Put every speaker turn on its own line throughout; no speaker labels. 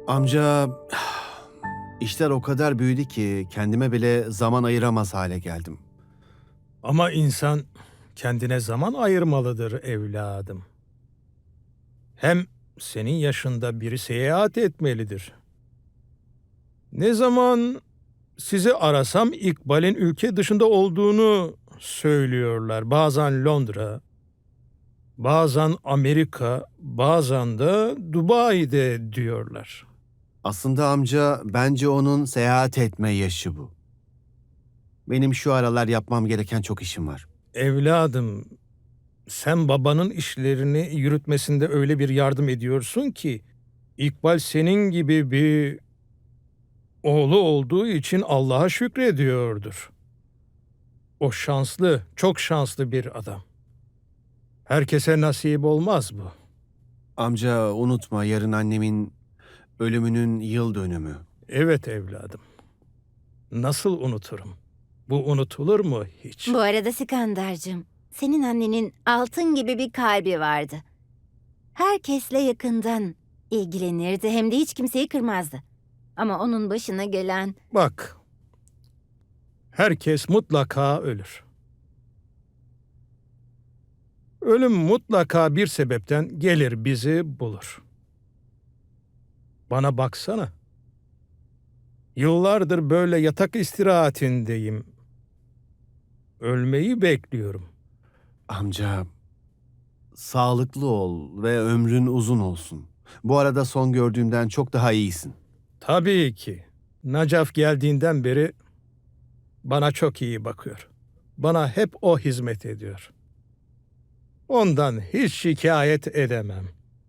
Amca, işler o kadar büyüdü ki kendime bile zaman ayıramaz hale geldim.
Ama insan kendine zaman ayırmalıdır evladım. Hem senin yaşında biri seyahat etmelidir. Ne zaman sizi arasam İkbal'in ülke dışında olduğunu söylüyorlar. Bazen Londra, bazen Amerika, bazen de Dubai'de diyorlar.
Aslında amca, bence onun seyahat etme yaşı bu. Benim şu aralar yapmam gereken çok işim var.
Evladım, sen babanın işlerini yürütmesinde öyle bir yardım ediyorsun ki İkbal senin gibi bir oğlu olduğu için Allah'a şükrediyordur. O şanslı, çok şanslı bir adam. Herkese nasip olmaz bu.
Amca unutma, yarın annemin ölümünün yıl dönümü.
Evet evladım. Nasıl unuturum? Bu unutulur mu hiç?
Bu arada Sikandar'cığım, senin annenin altın gibi bir kalbi vardı. Herkesle yakından ilgilenirdi hem de hiç kimseyi kırmazdı. Ama onun başına gelen...
Bak, herkes mutlaka ölür. Ölüm mutlaka bir sebepten gelir bizi bulur. Bana baksana. Yıllardır böyle yatak istirahatindeyim. Ölmeyi bekliyorum.
Amca, sağlıklı ol ve ömrün uzun olsun. Bu arada son gördüğümden çok daha iyisin.
Tabii ki. Nacaf geldiğinden beri bana çok iyi bakıyor. Bana hep o hizmet ediyor. Ondan hiç şikayet edemem.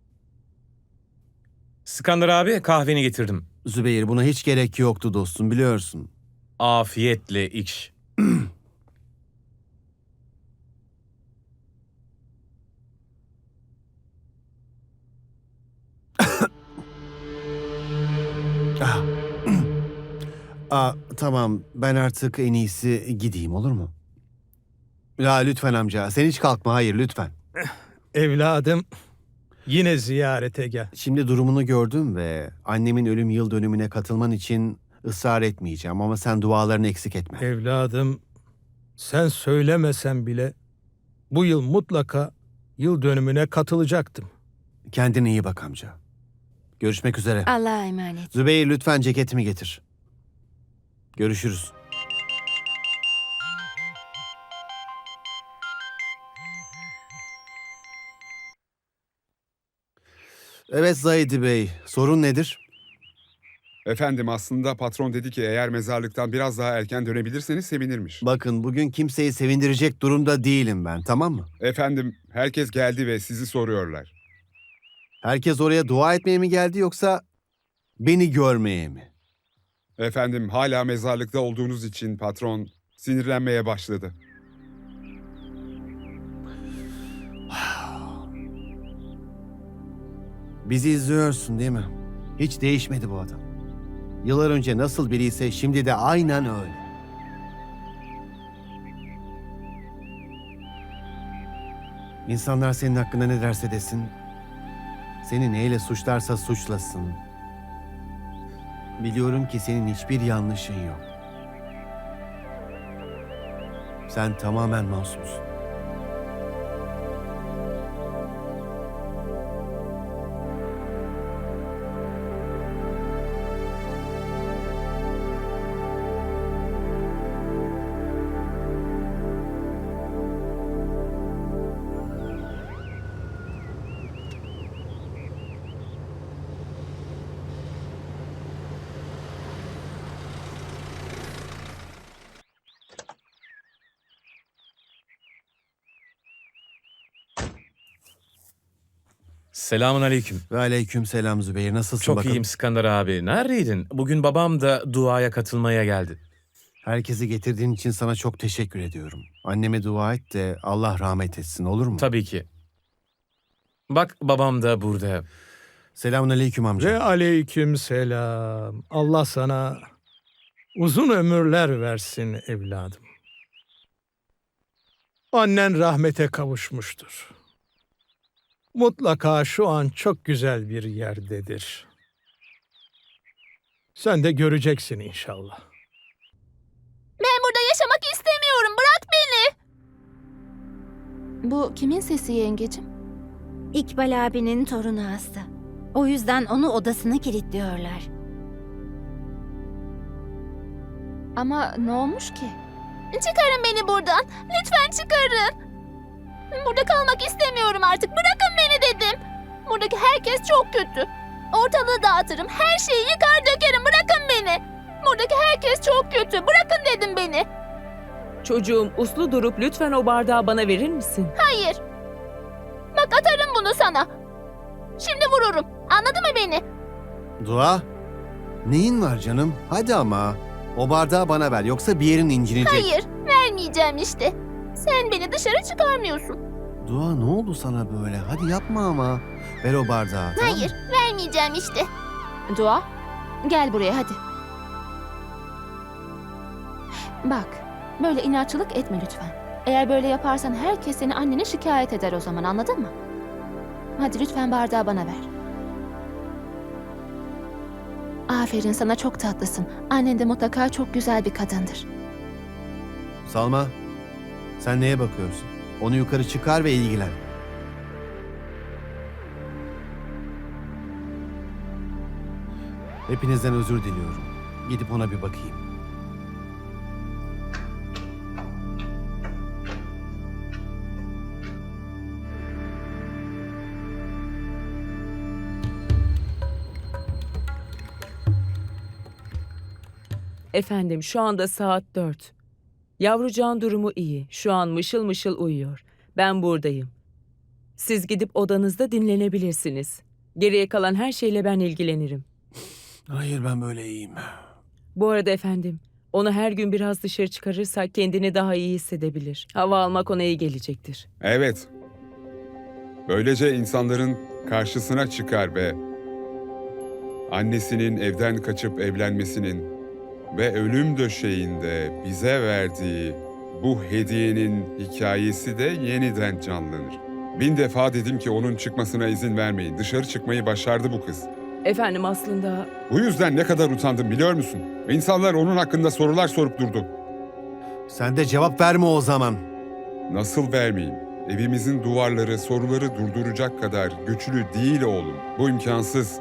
Skandar abi kahveni getirdim.
Zübeyir, buna hiç gerek yoktu dostum, biliyorsun.
Afiyetle iç.
Ah. Tamam, ben artık en iyisi gideyim, olur mu? Ya lütfen amca, sen hiç kalkma, hayır lütfen.
Evladım, yine ziyarete gel.
Şimdi durumunu gördüm ve annemin ölüm yıl dönümüne katılman için ısrar etmeyeceğim ama sen dualarını eksik etme.
Evladım, sen söylemesen bile bu yıl mutlaka yıl dönümüne katılacaktım.
Kendine iyi bak amca. Görüşmek üzere.
Allah'a emanet.
Zübeyir, lütfen ceketimi getir. Görüşürüz. Evet Zahidi Bey, sorun nedir?
Efendim aslında patron dedi ki eğer mezarlıktan biraz daha erken dönebilirseniz sevinirmiş.
Bakın, bugün kimseyi sevindirecek durumda değilim ben, tamam mı?
Efendim herkes geldi ve sizi soruyorlar.
Herkes oraya dua etmeye mi geldi yoksa beni görmeye mi?
Efendim hala mezarlıkta olduğunuz için patron sinirlenmeye başladı.
Bizi izliyorsun değil mi? Hiç değişmedi bu adam. Yıllar önce nasıl biriyse şimdi de aynen öyle. İnsanlar senin hakkında ne derse desin, seni neyle suçlarsa suçlasın. Biliyorum ki senin hiçbir yanlışın yok. Sen tamamen masumsun.
Selamun aleyküm.
Ve aleyküm selam Zübeyir. Nasılsın
Çok
bakalım?
iyiyim Skandar abi. Neredeydin? Bugün babam da duaya katılmaya geldi.
Herkesi getirdiğin için sana çok teşekkür ediyorum. Anneme dua et de Allah rahmet etsin, olur mu?
Tabii ki. Bak babam da burada.
Selamun aleyküm amca.
Ve aleyküm selam. Allah sana uzun ömürler versin evladım. Annen rahmete kavuşmuştur. Mutlaka şu an çok güzel bir yerdedir. Sen de göreceksin inşallah.
Ben burada yaşamak istemiyorum. Bırak beni. Bu kimin sesi yengecim?
İkbal abinin torunu hasta. O yüzden onu odasına kilitliyorlar.
Ama ne olmuş ki? Çıkarın beni buradan. Lütfen çıkarın. Burada kalmak istemiyorum artık. Bırakın beni dedim. Buradaki herkes çok kötü. Ortalığı dağıtırım. Her şeyi yıkar dökerim. Bırakın beni. Buradaki herkes çok kötü. Bırakın dedim beni.
Çocuğum uslu durup lütfen o bardağı bana verir misin?
Hayır. Bak atarım bunu sana. Şimdi vururum. Anladın mı beni?
Dua, neyin var canım? Hadi ama. O bardağı bana ver yoksa bir yerin incinecek.
Hayır. Vermeyeceğim işte. Sen beni dışarı çıkarmıyorsun.
Dua, ne oldu sana böyle? Hadi yapma ama. Ver o bardağı. tamam mı?
Hayır. Vermeyeceğim işte. Dua. Gel buraya hadi. Bak. Böyle inatçılık etme lütfen. Eğer böyle yaparsan herkes seni annene şikayet eder o zaman, anladın mı? Hadi lütfen bardağı bana ver. Aferin sana, çok tatlısın. Annen de mutlaka çok güzel bir kadındır.
Salma, sen neye bakıyorsun? Onu yukarı çıkar ve ilgilen. Hepinizden özür diliyorum. Gidip ona bir bakayım.
Efendim şu anda saat 4. Yavrucağın durumu iyi. Şu an mışıl mışıl uyuyor. Ben buradayım. Siz gidip odanızda dinlenebilirsiniz. Geriye kalan her şeyle ben ilgilenirim.
Hayır, ben böyle iyiyim.
Bu arada efendim, onu her gün biraz dışarı çıkarırsak kendini daha iyi hissedebilir. Hava almak ona iyi gelecektir.
Evet. Böylece insanların karşısına çıkar ve annesinin evden kaçıp evlenmesinin ve ölüm döşeğinde bize verdiği bu hediyenin hikayesi de yeniden canlanır. 1000 defa dedim ki onun çıkmasına izin vermeyin. Dışarı çıkmayı başardı bu kız.
Efendim aslında
Bu yüzden ne kadar utandım biliyor musun? İnsanlar onun hakkında sorular sorup durdu.
Sen de cevap verme o zaman.
Nasıl vermeyeyim? Evimizin duvarları soruları durduracak kadar güçlü değil oğlum. Bu imkansız.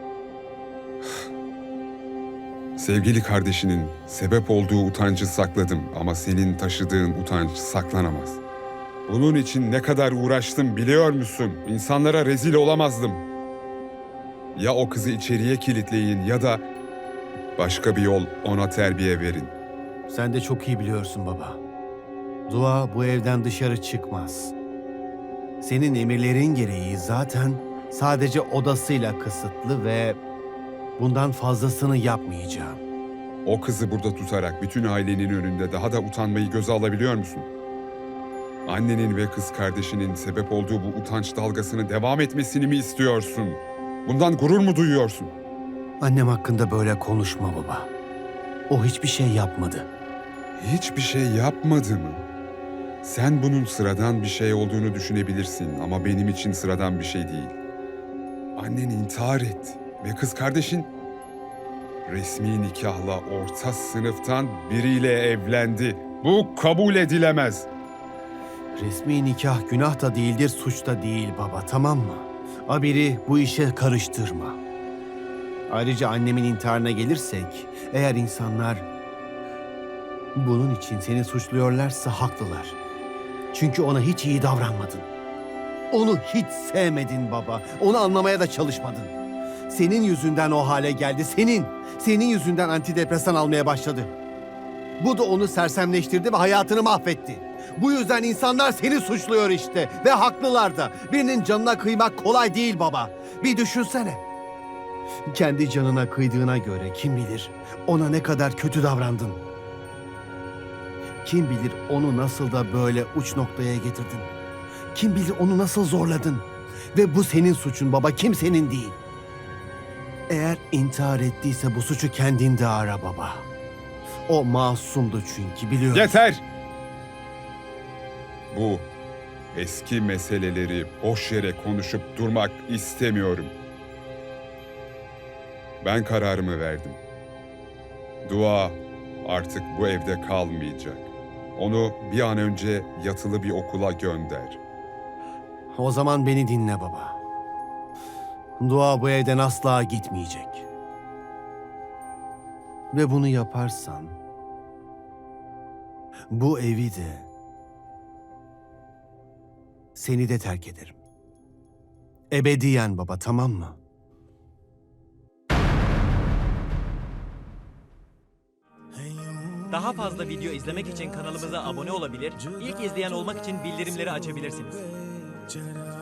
Sevgili kardeşinin sebep olduğu utancı sakladım ama senin taşıdığın utanç saklanamaz. Bunun için ne kadar uğraştım biliyor musun? İnsanlara rezil olamazdım. Ya o kızı içeriye kilitleyin ya da başka bir yol ona terbiye verin.
Sen de çok iyi biliyorsun baba. Dua bu evden dışarı çıkmaz. Senin emirlerin gereği zaten sadece odasıyla kısıtlı ve bundan fazlasını yapmayacağım.
O kızı burada tutarak bütün ailenin önünde daha da utanmayı göze alabiliyor musun? Annenin ve kız kardeşinin sebep olduğu bu utanç dalgasını devam etmesini mi istiyorsun? Bundan gurur mu duyuyorsun?
Annem hakkında böyle konuşma baba. O hiçbir şey yapmadı.
Hiçbir şey yapmadı mı? Sen bunun sıradan bir şey olduğunu düşünebilirsin ama benim için sıradan bir şey değil. Annen intihar etti ve kız kardeşin resmi nikahla orta sınıftan biriyle evlendi. Bu kabul edilemez.
Resmi nikah günah da değildir, suç da değil baba, tamam mı? Abiri bu işe karıştırma. Ayrıca annemin intiharına gelirsek, eğer insanlar bunun için seni suçluyorlarsa haklılar. Çünkü ona hiç iyi davranmadın. Onu hiç sevmedin baba. Onu anlamaya da çalışmadın. Senin yüzünden o hale geldi. Senin yüzünden antidepresan almaya başladı. Bu da onu sersemleştirdi ve hayatını mahvetti. Bu yüzden insanlar seni suçluyor işte. Ve haklılar da. Birinin canına kıymak kolay değil baba. Bir düşünsene. Kendi canına kıydığına göre kim bilir ona ne kadar kötü davrandın. Kim bilir onu nasıl da böyle uç noktaya getirdin. Kim bilir onu nasıl zorladın. Ve bu senin suçun baba, kimsenin değil. Eğer intihar ettiyse bu suçu kendinde ara baba. O masumdu çünkü, biliyorum.
Yeter! Bu eski meseleleri boş yere konuşup durmak istemiyorum. Ben kararımı verdim. Dua artık bu evde kalmayacak. Onu bir an önce yatılı bir okula gönder.
O zaman beni dinle baba. Dua bu evden asla gitmeyecek. Ve bunu yaparsan bu evi de seni de terk ederim. Ebediyen baba, tamam mı?
Daha fazla video izlemek için kanalımıza abone olabilir, ilk izleyen olmak için bildirimleri açabilirsiniz.